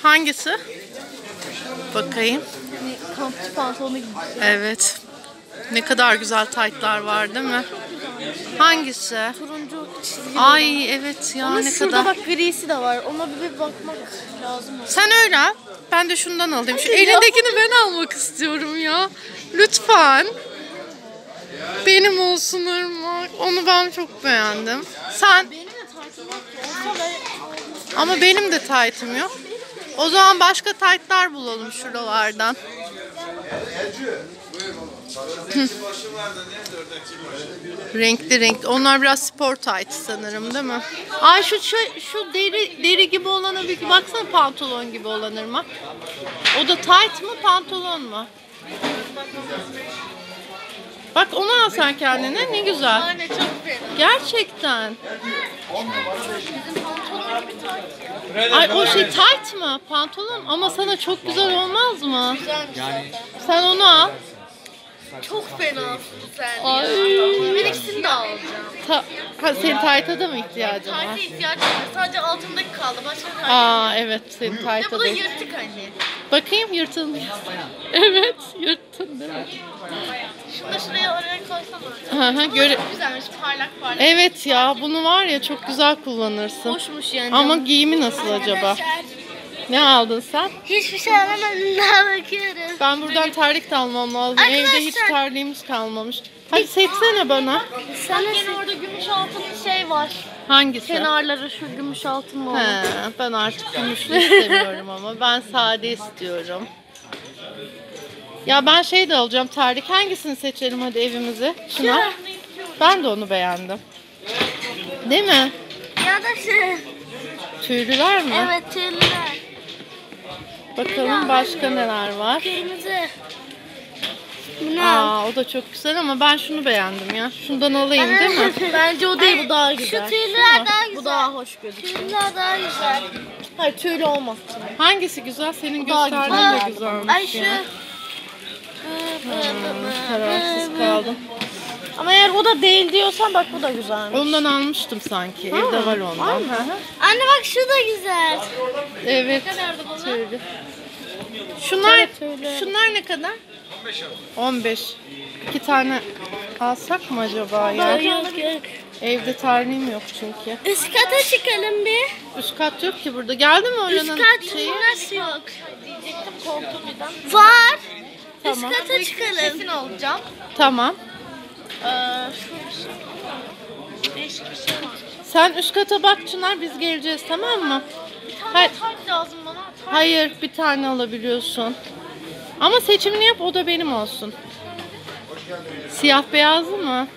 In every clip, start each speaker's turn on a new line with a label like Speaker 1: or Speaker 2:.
Speaker 1: Hangisi? Bakayım.
Speaker 2: Kampçı pantolonu gibi.
Speaker 1: Evet. Ne kadar güzel taytlar var değil mi? Hangisi?
Speaker 2: Turuncu çizgili.
Speaker 1: Ay evet ya,
Speaker 2: Ama
Speaker 1: ne
Speaker 2: şurada
Speaker 1: kadar.
Speaker 2: bak grisi de var. Ona bir bakmak lazım.
Speaker 1: Sen öyle al. Ben de şundan alayım. Şu elindekini ben almak istiyorum ya. Lütfen. Benim olsun Irmak. Onu ben çok beğendim. Sen?
Speaker 2: Benim de taytım yok.
Speaker 1: Ama benim de taytım yok. O zaman başka taytlar bulalım şuralardan. Renkli renkli. Onlar biraz spor tayt sanırım değil mi? Ay şu deri gibi olana bir baksana, pantolon gibi olan Irmak. O da tayt mı pantolon mu? Bak onu al sen kendine, ne güzel.
Speaker 2: Anne çok fena.
Speaker 1: Gerçekten.
Speaker 2: Bizim pantolon gibi tayt ya.
Speaker 1: Ay o şey tayt mı? Pantolon ama sana çok güzel olmaz mı?
Speaker 2: Güzelmiş zaten.
Speaker 1: Sen onu al.
Speaker 2: Çok fena sen.
Speaker 1: Ay.
Speaker 2: Ben ikisini de alacağım.
Speaker 1: Senin tayta da mı ihtiyacın var?
Speaker 2: Tayta ihtiyacım var. Sadece altındaki kaldı. Başka tayt.
Speaker 1: Aa evet, senin
Speaker 2: Bir de
Speaker 1: tayta
Speaker 2: bu
Speaker 1: da.
Speaker 2: da yırtık anne.
Speaker 1: Bakayım yırtılmış. Evet yırttın değil mi?
Speaker 2: Şunu da şuraya oraya koysana.
Speaker 1: Hı hı,
Speaker 2: Bu da çok güzelmiş. Parlak parlak.
Speaker 1: Evet ya, bunu var ya çok güzel kullanırsın.
Speaker 2: Hoşmuş yani.
Speaker 1: Ama giyimi nasıl acaba? Ne aldın sen?
Speaker 2: Hiçbir şey alamadım, daha bakıyorum.
Speaker 1: Ben buradan terlik de almam lazım.
Speaker 2: Arkadaşlar.
Speaker 1: Evde hiç terliğimiz kalmamış. Hadi seçsene bana.
Speaker 2: Sana yine orada gümüş altın şey var.
Speaker 1: Hangisi?
Speaker 2: Kenarları şu gümüş altın var.
Speaker 1: He, ben artık gümüşlü istemiyorum ama ben sade istiyorum. Ya ben şey de alacağım, terlik. Hangisini seçelim hadi evimize? Şuna. Ben de onu beğendim. Değil mi?
Speaker 2: Ya da şu.
Speaker 1: Tüylüler mi?
Speaker 2: Evet, tüylüler.
Speaker 1: Bakalım başka neler var.
Speaker 2: Kırmızı. Bunu
Speaker 1: Aa, o da çok güzel ama ben şunu beğendim ya. Şundan alayım değil mi?
Speaker 2: Bence o değil, bu daha güzel. Şu tüyler daha güzel.
Speaker 3: Bu daha hoş gözüküyor.
Speaker 2: Tüyler daha güzel.
Speaker 3: Hayır tüylü olmaz.
Speaker 1: Hangisi güzel? Senin
Speaker 3: daha
Speaker 1: gösterdiğin de
Speaker 2: Ay
Speaker 1: güzelmiş
Speaker 2: şu.
Speaker 1: ya. Kararsız kaldım.
Speaker 3: Ama eğer o da değil diyorsan bak bu da güzelmiş.
Speaker 1: Ondan almıştım sanki. Evde var ondan. Hı hı.
Speaker 2: Anne bak şu da güzel.
Speaker 1: Evet. Tüylü. Şunlar ne kadar? 15. 2 tane alsak mı acaba ya?
Speaker 2: Yok.
Speaker 1: Evde terliğim yok çünkü.
Speaker 2: Üst kata çıkalım bir.
Speaker 1: Üst kat yok ki burada. Geldi mi
Speaker 2: Üst
Speaker 1: oranın
Speaker 2: kat
Speaker 1: şeyi?
Speaker 2: nasıl yok? Var.
Speaker 1: Tamam.
Speaker 2: Üst kata çıkalım.
Speaker 3: Kesin alacağım.
Speaker 1: Tamam.
Speaker 2: Değişik bir şey var.
Speaker 1: Sen üst kata bak Çınar, biz geleceğiz tamam mı? Hayır,
Speaker 2: Tayt lazım bana.
Speaker 1: hayır bir tane alabiliyorsun. Ama seçimini yap, o da benim olsun. Siyah beyazlı mı?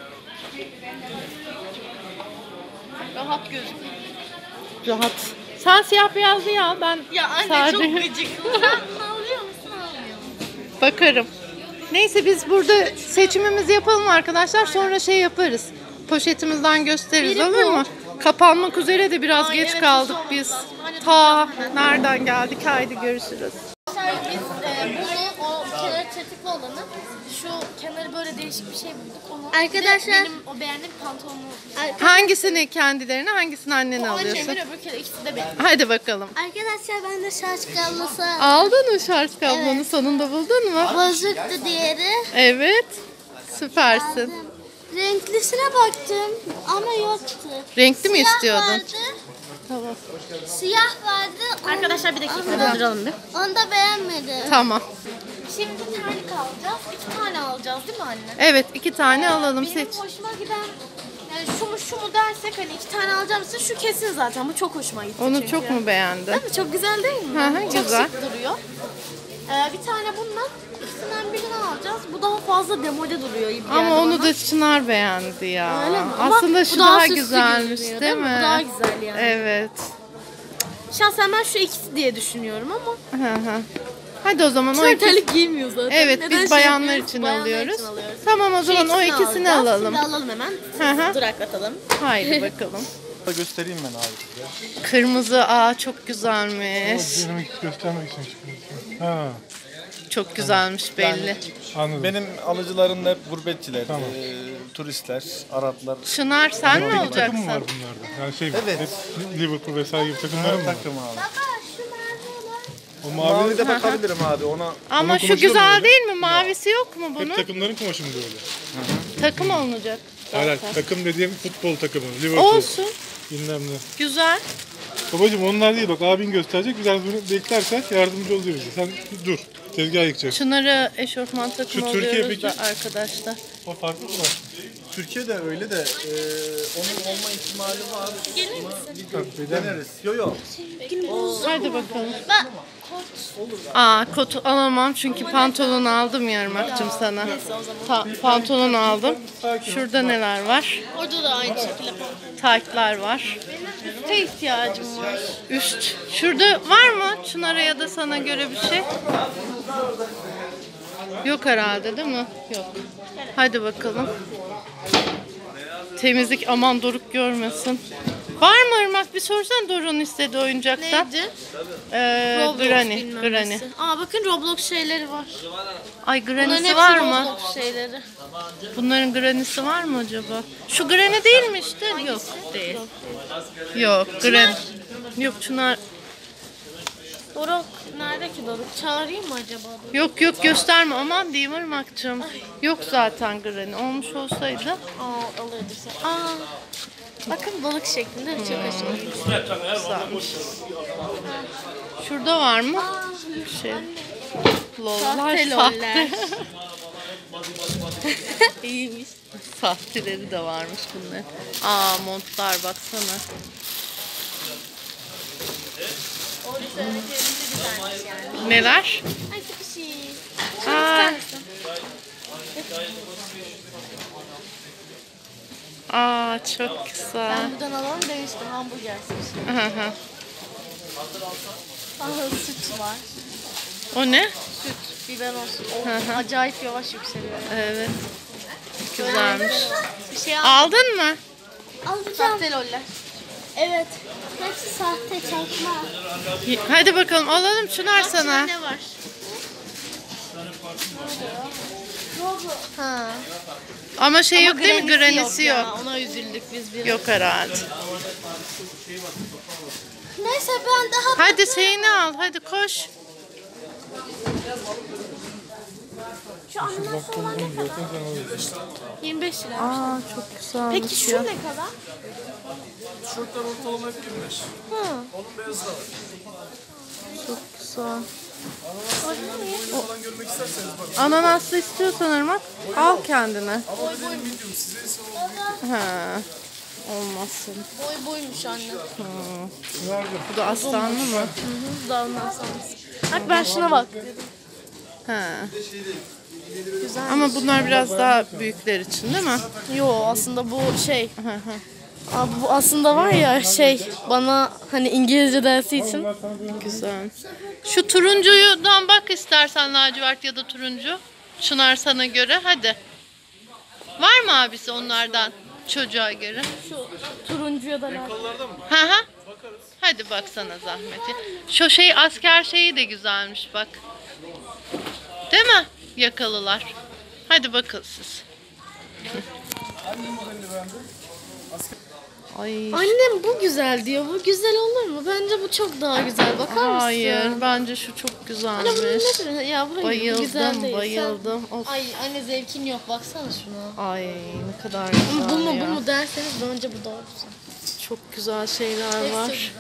Speaker 3: Rahat gözüküyor.
Speaker 1: Rahat. Sen siyah beyazlıyı al, ben
Speaker 2: Ya anne
Speaker 1: sade.
Speaker 2: çok gıcık. Sen bunu alıyor musun, almıyor musun?
Speaker 1: Bakarım. Neyse biz burada seçimimizi yapalım arkadaşlar. Sonra şey yaparız. Poşetimizden gösteririz,
Speaker 2: Biri
Speaker 1: olur
Speaker 2: bu.
Speaker 1: mu? Kapanmak üzere de biraz
Speaker 2: Ay,
Speaker 1: geç
Speaker 2: evet,
Speaker 1: kaldık
Speaker 2: hızlı
Speaker 1: biz.
Speaker 2: olmamız lazım. Hadi
Speaker 1: Ta nereden geldik? Haydi görüşürüz.
Speaker 2: Biz bunu, o kenarı çatıklı olanı, şu kenarı böyle değişik bir şey bulduk. Onu
Speaker 3: Arkadaşlar-
Speaker 2: benim o beğendiğim pantolonumu.
Speaker 1: Hangisini kendilerine, hangisini annene
Speaker 2: O
Speaker 1: alıyorsun?
Speaker 2: annemin, öbür kere ikisi de benim.
Speaker 1: Hadi bakalım.
Speaker 2: Arkadaşlar ben de şarj kablosu
Speaker 1: Aldın mı şarj kablonu, sonunda buldun mu?
Speaker 2: bozuktu diğeri.
Speaker 1: Evet. Süpersin.
Speaker 2: Renklisine baktım ama yoktu.
Speaker 1: Renkli mi
Speaker 2: Siyah
Speaker 1: istiyordun?
Speaker 2: vardı,
Speaker 1: Tamam.
Speaker 2: siyah vardı.
Speaker 3: Arkadaşlar bir dakika duralım bir.
Speaker 2: Onu da beğenmedim.
Speaker 1: Tamam.
Speaker 2: Şimdi terlik alacağız. 2 tane alacağız değil mi anne?
Speaker 1: Evet, 2 tane alalım,
Speaker 2: Benim
Speaker 1: seç.
Speaker 2: hoşuma giden, yani şu mu dersek hani 2 tane alacağım size, şu kesin zaten, bu çok hoşuma gitti
Speaker 1: Onu
Speaker 2: çünkü.
Speaker 1: çok mu beğendin?
Speaker 2: Değil mi? Çok güzel değil mi?
Speaker 1: Hı hı,
Speaker 2: Çok
Speaker 1: güzel.
Speaker 2: şık duruyor. Bir tane bundan, ikisinden birini alacağız. Bu daha fazla demode duruyor gibi
Speaker 1: Ama
Speaker 2: geldi
Speaker 1: onu
Speaker 2: bana.
Speaker 1: da Çınar beğendi ya.
Speaker 2: Öyle mi? Ama
Speaker 1: Aslında
Speaker 2: bu
Speaker 1: şu
Speaker 2: daha
Speaker 1: daha
Speaker 2: süslü
Speaker 1: güzelmiş
Speaker 2: gözüküyor,
Speaker 1: değil mi?
Speaker 2: Bu daha güzel yani.
Speaker 1: Evet.
Speaker 2: Şahsen ben şu ikisi diye düşünüyorum ama.
Speaker 1: Hı hı. Hadi o zaman o
Speaker 2: Sen
Speaker 1: ikisi.
Speaker 2: terlik giymiyor zaten.
Speaker 1: Evet,
Speaker 2: Neden
Speaker 1: biz
Speaker 2: şey
Speaker 1: bayanlar
Speaker 2: yapıyoruz?
Speaker 1: için
Speaker 2: Bayanlar
Speaker 1: alıyoruz.
Speaker 2: için alıyoruz.
Speaker 1: Tamam o
Speaker 2: Şu
Speaker 1: zaman o ikisini
Speaker 2: alacağız.
Speaker 1: alalım.
Speaker 2: Şimdi alalım hemen.
Speaker 1: Hı hı.
Speaker 2: Duraklatalım.
Speaker 1: Haydi bakalım.
Speaker 4: Göstereyim ben abi size.
Speaker 1: Kırmızı, çok güzelmiş.
Speaker 5: Benim göstermek için çıkıyorsun. Ha,
Speaker 1: Çok güzelmiş belli.
Speaker 5: anladım.
Speaker 4: Benim alıcılarım da hep gurbetçiler,
Speaker 5: Tamam.
Speaker 4: turistler, Araplar.
Speaker 1: Çınar sen ne
Speaker 5: Peki takım mı var
Speaker 1: olacaksın?
Speaker 5: bunlarda? Yani şey
Speaker 4: Evet.
Speaker 5: hep Liverpool vesaire gibi takımlar mı var?
Speaker 4: Takım abi.
Speaker 2: Baba şu mavi olan.
Speaker 5: O
Speaker 4: Mavi
Speaker 5: mavi
Speaker 4: de bakabilirim abi ona.
Speaker 1: Ama
Speaker 5: Onun
Speaker 1: şu
Speaker 5: kumaşı da mı
Speaker 1: güzel
Speaker 5: öyle?
Speaker 1: değil mi? Mavisi yok mu
Speaker 5: hep
Speaker 1: bunun?
Speaker 5: takımların kumaşında öyle.
Speaker 1: Takım olunacak.
Speaker 5: Hayır,
Speaker 1: zaten.
Speaker 5: takım dediğim futbol takımı. Liverpool.
Speaker 1: Olsun.
Speaker 5: Bilmem ne.
Speaker 1: Güzel.
Speaker 5: Babacım onlar değil bak abin gösterecek. Biz bunu beklerken yardımcı oluyor bize. Sen dur. Tezgah yıkacak.
Speaker 1: Çınar'a eşofman takımı
Speaker 5: Şu Türkiye
Speaker 1: alıyoruz da
Speaker 5: peki?
Speaker 1: arkadaşlar.
Speaker 5: O farklı mı?
Speaker 4: Türkiye'de öyle de onun olma ihtimali var. Deneriz. Yo yo.
Speaker 1: Hadi bakalım.
Speaker 2: Ben
Speaker 1: Aa kotu alamam çünkü pantolon aldım Yarmak'cığım sana. Pantolon aldım. Şurada neler var?
Speaker 2: orada da aynı şekilde
Speaker 1: Taytlar var.
Speaker 2: üste ihtiyacım var.
Speaker 1: Üst. Şurada var mı Çınar'a ya da sana göre bir şey? Yok herhalde değil mi? Yok. Hadi bakalım. Temizlik aman Doruk görmesin. Var mı Irmak? Bir sorsan Doruk'un istediği oyuncaktan.
Speaker 2: Neydi?
Speaker 1: Granny.
Speaker 2: bilmem
Speaker 1: Granny.
Speaker 2: nesi. Aa bakın Roblox şeyleri var.
Speaker 1: Ay
Speaker 2: Bunların
Speaker 1: Granny'si
Speaker 2: hepsi
Speaker 1: var mı?
Speaker 2: Roblox şeyleri.
Speaker 1: Bunların Granny'si var mı acaba? Şu Granny değil mi işte? Yok değil. Yok Granny. Yok Çınar.
Speaker 2: Doruk nerede ki Doruk? Çağırayım mı acaba Doruk?
Speaker 1: Yok gösterme aman diyeyim Irmak'cığım. Yok zaten Granny. Olmuş olsaydı.
Speaker 2: Aa alırdı sen. Aa. Bakın balık şeklinde çok hoş.
Speaker 1: Güzelmiş. Şurada var mı? Bir şey. Lollar
Speaker 2: Sahte
Speaker 1: sahte.
Speaker 2: loller. İyiymiş.
Speaker 1: Sahteleri de varmış bunlar. Aa montlar baksana.
Speaker 2: O söylediklerinde güzelmiş yani.
Speaker 1: Neler?
Speaker 2: Ay sıkışıyım.
Speaker 1: Aa, aa çok güzel.
Speaker 2: Ben buradan alalım demiştim hamburger sushi.
Speaker 1: Hı hı.
Speaker 2: Aha süt var.
Speaker 1: O ne?
Speaker 2: Süt, biber olsun.
Speaker 1: Hı hı.
Speaker 2: Acayip yavaş yükseliyor.
Speaker 1: Evet. Güzelmiş.
Speaker 2: Bir şey
Speaker 1: Aldın mı?
Speaker 2: alacağım. Sahte loller. Evet. Hepsi sahte çakma.
Speaker 1: Hadi bakalım alalım Çınar sana.
Speaker 2: Ne var? Ha.
Speaker 1: Ama şey yok değil mi?
Speaker 2: Granny'si
Speaker 1: Granny'si
Speaker 2: ya,
Speaker 1: yok.
Speaker 2: Ona üzüldük biz bir.
Speaker 1: Yok herhalde.
Speaker 2: Neyse ben daha
Speaker 1: Hadi şeyini al. Hadi koş.
Speaker 2: şu animasyon ne kadar? 25 lira.
Speaker 1: Aa çok güzel.
Speaker 2: Peki şu ne kadar?
Speaker 4: Tişörtler ortalama hep 25.
Speaker 2: Hı.
Speaker 4: Onun beyazı da var.
Speaker 1: Çok güzel.
Speaker 4: Falan görmek isterseniz bakın.
Speaker 1: Ananaslı istiyorsan Irmak al kendine.
Speaker 4: Ama dediğim medium size ise o
Speaker 1: Ha. Olmazsın.
Speaker 2: Boy boymuş anne.
Speaker 1: Bu da aslanlı mı?
Speaker 2: Daha ondan sonrası. Bak ben şuna bak.
Speaker 1: Ha. Ama bunlar biraz daha büyükler için değil mi?
Speaker 2: Yo aslında bu şey. Abi bu aslında var ya şey bana hani İngilizce dersi için.
Speaker 1: Güzel. Şu turuncudan bak istersen lacivert ya da turuncu. Çınar sana göre hadi. Var mı abisi onlardan çocuğa göre?
Speaker 2: Şu turuncuya da var.
Speaker 1: Hı hı. Hadi baksana zahmeti. Şu şey asker şeyi de güzelmiş bak. Değil mi? Yakalılar. Hadi bakın siz. Ay.
Speaker 2: Annem bu güzel diyor. Bu güzel olur mu? Bence bu çok daha güzel. Bakar mısın?
Speaker 1: Hayır, bence şu çok
Speaker 2: Anne bunun
Speaker 1: güzelmiş.
Speaker 2: ne? Ya bu hayır, bu güzel
Speaker 1: Bayıldım,
Speaker 2: değil.
Speaker 1: bayıldım.
Speaker 2: Sen...
Speaker 1: Of.
Speaker 2: Ay anne zevkin yok. Baksana şuna.
Speaker 1: Ay ne kadar güzel
Speaker 2: Bu mu
Speaker 1: ya.
Speaker 2: bu mu derseniz bence bu doğrusu.
Speaker 1: Çok güzel şeyler
Speaker 2: Hepsi
Speaker 1: var.
Speaker 2: güzel.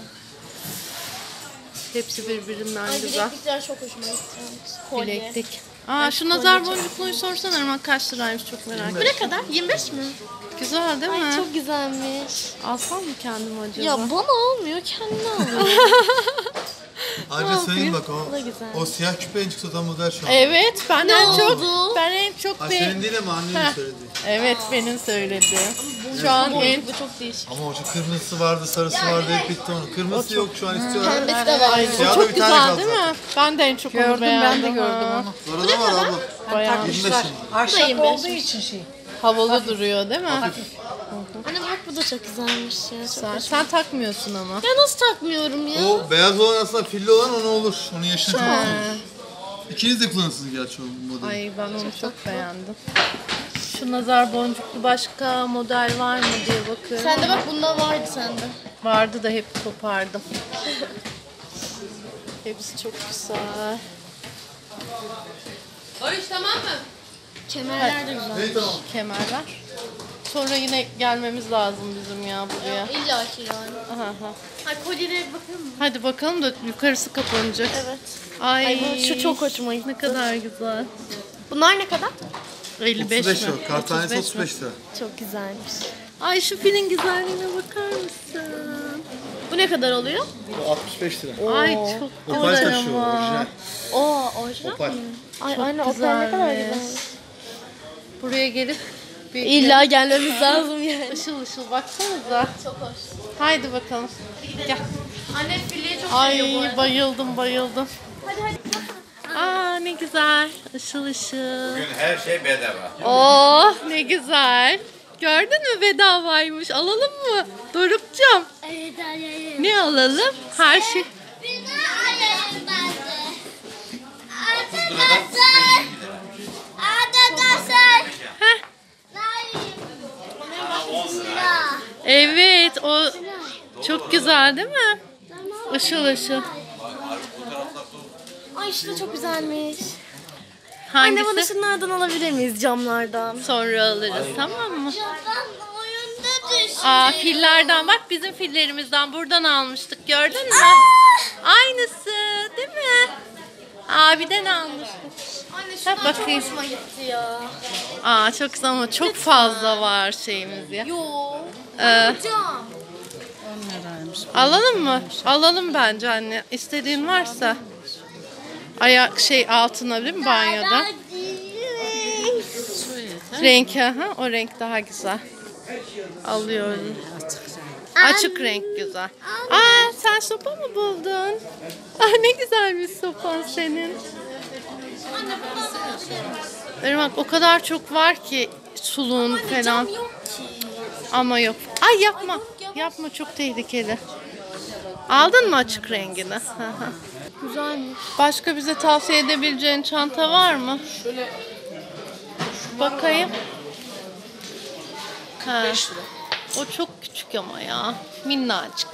Speaker 1: Hepsi birbirinden
Speaker 2: Ay
Speaker 1: güzel.
Speaker 2: bileklikler çok hoşuma gitti. Kolye.
Speaker 1: Bileklik. Aa şu nazar boncukluyu sorsana Irmak kaç liraymış çok merak
Speaker 2: Bu
Speaker 1: ettim.
Speaker 2: ne kadar? 25 mi?
Speaker 1: Güzel değil mi?
Speaker 2: Ay çok güzelmiş.
Speaker 1: Alsam mı kendim acaba?
Speaker 2: Ya bana almıyor, kendine alıyor.
Speaker 6: Ayrıca söyleyeyim bak
Speaker 2: Bu da güzel.
Speaker 6: o siyah küpe en çıksa model şu an.
Speaker 1: Evet ben en çok
Speaker 2: oldu?
Speaker 6: Ha, senin değil ama annenin söylediği.
Speaker 1: Evet benim söylediğim. Şu an en
Speaker 2: Bu çok değişik.
Speaker 6: Ama o şu kırmızısı vardı, sarısı vardı hep bitti onun. Kırmızısı yok şu an istiyorlar.
Speaker 2: Pembesi de var.
Speaker 6: Siyah da
Speaker 1: çok
Speaker 6: bir tane
Speaker 1: güzel
Speaker 6: kaldı.
Speaker 1: değil mi? Ben de en çok onu beğendim. Ben de gördüm onu.
Speaker 6: Sonra da var abla.
Speaker 1: Bayağı
Speaker 6: 25 şimdi.
Speaker 7: Ahşap olduğu için şey.
Speaker 1: havalı duruyor değil mi?
Speaker 2: Anne bak bu da çok güzelmiş ya. Çok
Speaker 1: Sen takmıyorsun ama.
Speaker 2: Ya nasıl takmıyorum ya?
Speaker 6: O beyaz olan aslında filli olan onu olur. Onu yaşını çok İkiniz de kullanırsınız gerçi o modeli.
Speaker 1: Ay ben onu çok beğendim. Şu nazar boncuklu başka model var mı diye bakıyorum.
Speaker 2: Sende bak bunda vardı sende.
Speaker 1: Vardı da hep kopardım. Hepsi çok güzel.
Speaker 2: Kemerler de güzel.
Speaker 6: Ne tamam.
Speaker 1: Kemerler. Sonra yine gelmemiz lazım bizim ya buraya.
Speaker 2: İlla ki yani.
Speaker 1: Aha, aha.
Speaker 2: Hay kolyelere bakıyor musun?
Speaker 1: Hadi bakalım da yukarısı kapanacak.
Speaker 2: Evet.
Speaker 1: Ay,
Speaker 2: Ay, şu çok hoşuma gitti.
Speaker 1: Ne kadar güzel.
Speaker 2: Bunlar ne kadar?
Speaker 1: 55
Speaker 6: 35
Speaker 1: mi?
Speaker 6: lira. Kart tanesi
Speaker 1: 35 mi?
Speaker 6: 35 lira.
Speaker 2: Çok güzelmiş.
Speaker 1: Ay şu filin güzelliğine bakar mısın?
Speaker 2: Bu ne kadar oluyor?
Speaker 6: Bu 65 lira.
Speaker 1: Ay çok
Speaker 6: Opal
Speaker 1: güzel
Speaker 6: taşı o,
Speaker 1: ama.
Speaker 6: orijinal.
Speaker 2: Oo, orijinal
Speaker 6: Opal.
Speaker 2: mi? Ay anne o ne kadar
Speaker 1: güzelmiş.
Speaker 2: güzel.
Speaker 1: Buraya gelip bir
Speaker 2: İlla gelmemiz lazım yani.
Speaker 1: ışıl ışıl baksanıza.
Speaker 2: Çok hoş.
Speaker 1: Haydi bakalım. Gel.
Speaker 2: Anne fileye çok
Speaker 1: Ay
Speaker 2: seviyor bu arada.
Speaker 1: bayıldım bayıldım.
Speaker 2: Hadi hadi.
Speaker 1: Aa ne güzel. Işıl ışıl.
Speaker 8: Bugün her şey bedava.
Speaker 1: Oh ne güzel. Gördün mü bedavaymış. Alalım mı? Doruk'cum.
Speaker 2: Evet hadi.
Speaker 1: Ne alalım? Her şey. Heh. Evet o çok güzel değil mi? Işıl ışıl.
Speaker 2: Ay şu da çok güzelmiş.
Speaker 1: Hangisi?
Speaker 2: Anne bana şunlardan alabilir miyiz camlardan?
Speaker 1: Sonra alırız tamam mı?
Speaker 2: Oyunda düştü.
Speaker 1: Aa fillerden bak bizim fillerimizden buradan almıştık gördün mü? Aynısı değil mi? Abiden almıştık.
Speaker 2: Anne
Speaker 1: Bak
Speaker 2: şunlar çok
Speaker 1: bakayım.
Speaker 2: hoşuma gitti ya.
Speaker 1: Aa çok güzel ama çok fazla var şeyimiz ya.
Speaker 2: Yo.
Speaker 1: Ee,
Speaker 2: Cam.
Speaker 1: alalım mı? Alalım bence anne. İstediğin varsa. Ayak altına değil mi banyoda? Renk aha o renk daha güzel. Alıyorum. Açık renk güzel. Aa sen sopa mı buldun? Ah ne güzel bir sopan senin. Irmak o kadar çok var ki suluğun falan.
Speaker 2: Cam yok ki.
Speaker 1: Ama yok. Ay yapma. Yapma çok tehlikeli. Aldın mı açık rengini? Hı hı.
Speaker 2: Güzelmiş.
Speaker 1: Başka bize tavsiye edebileceğin çanta var mı? Şöyle bakayım. Ha. O çok küçük ama ya. Minnacık.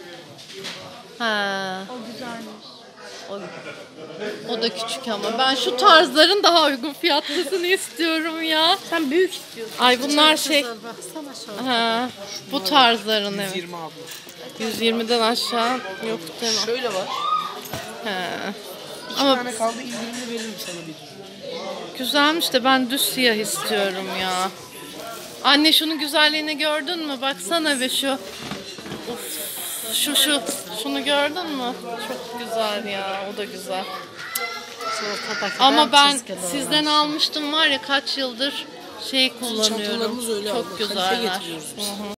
Speaker 1: Ha.
Speaker 2: O güzelmiş.
Speaker 1: O da küçük ama ben şu tarzların daha uygun fiyatlısını istiyorum ya.
Speaker 2: Sen büyük istiyorsun.
Speaker 1: Ay bunlar şey.
Speaker 7: Baksana şöyle.
Speaker 1: Ha, bu tarzların evet.
Speaker 7: 20 abla.
Speaker 1: 120'den aşağı yok değil mi?
Speaker 7: Şöyle var.
Speaker 1: Ha.
Speaker 7: 2
Speaker 1: Ama
Speaker 7: tane kaldı indirimli veririm sana bir.
Speaker 1: güzelmiş de ben düz siyah istiyorum ya. Anne şunun güzelliğini gördün mü? Baksana be şu. Of. Şunu gördün mü? Çok güzel ya. O da güzel. Ama ben sizden almıştım var ya kaç yıldır şey kullanıyorum.
Speaker 7: Çantalarımız öyle
Speaker 1: Çok
Speaker 7: abla. Kalife
Speaker 1: güzeller.
Speaker 7: getiriyoruz biz.
Speaker 1: Hı hı.